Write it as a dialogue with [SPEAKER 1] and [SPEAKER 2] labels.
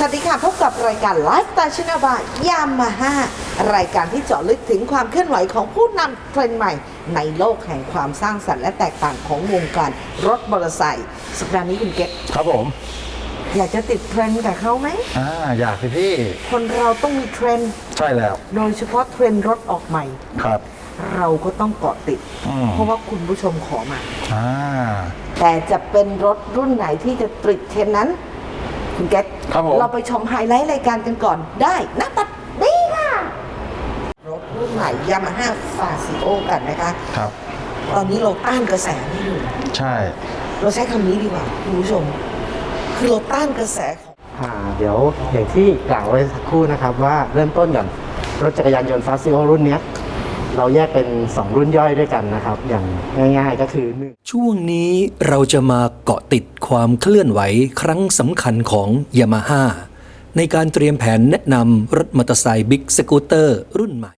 [SPEAKER 1] วัสดีค่ะพบกับรายการไลฟ์สไตล์ชนาบายยามาฮ่ารายการที่เจาะลึกถึงความเคลื่อนไหวของผู้นำเทรนด์ใหม่ในโลกแห่งความสร้างสรรค์และแตกต่างของวงการรถมอเตอร์ไซค์สัปดาห์นี้คุณเก็ต
[SPEAKER 2] ครับผม
[SPEAKER 1] อยากจะติดเทรนด์กับเขาไหม
[SPEAKER 2] อยากสิพี่
[SPEAKER 1] คนเราต้องมีเทรนด์
[SPEAKER 2] ใช่แล้ว
[SPEAKER 1] โดยเฉพาะเทรนด์รถออกใหม่
[SPEAKER 2] ครับ
[SPEAKER 1] เราก็ต้องเกาะติดเพราะว่าคุณผู้ชมขอมาแต่จะเป็นรถรุ่นไหนที่จะติดเทรนด์นั้นคุณเก็ตเราไปชมไฮไลท์รายการกันก่อนได้นะปัดดีค่ะรถรุ่นใหม่ยามาฮ่าฟาซิโอกันนะคะ
[SPEAKER 2] ครับ
[SPEAKER 1] ตอนนี้เราต้านกระแสไม่อยู่
[SPEAKER 2] ใช่
[SPEAKER 1] เราใช้คำนี้ดีกว่าคุณผู้ชมคือเราต้านกระแสของ
[SPEAKER 3] เดี๋ยวอย่างที่กล่าวไว้สักครู่นะครับว่าเริ่มต้นกันรถจักรยานยนต์ฟาซิโอรุ่นนี้เราแยกเป็น2รุ่นย่อยด้วยกันนะครับอย่างง่ายๆก็คือ
[SPEAKER 4] ช่วงนี้เราจะมาเกาะติดความเคลื่อนไหวครั้งสำคัญของ Yamaha ในการเตรียมแผนแนะนำรถมอเตอร์ไซค์บิ๊กสกูตเตอร์รุ่นใหม่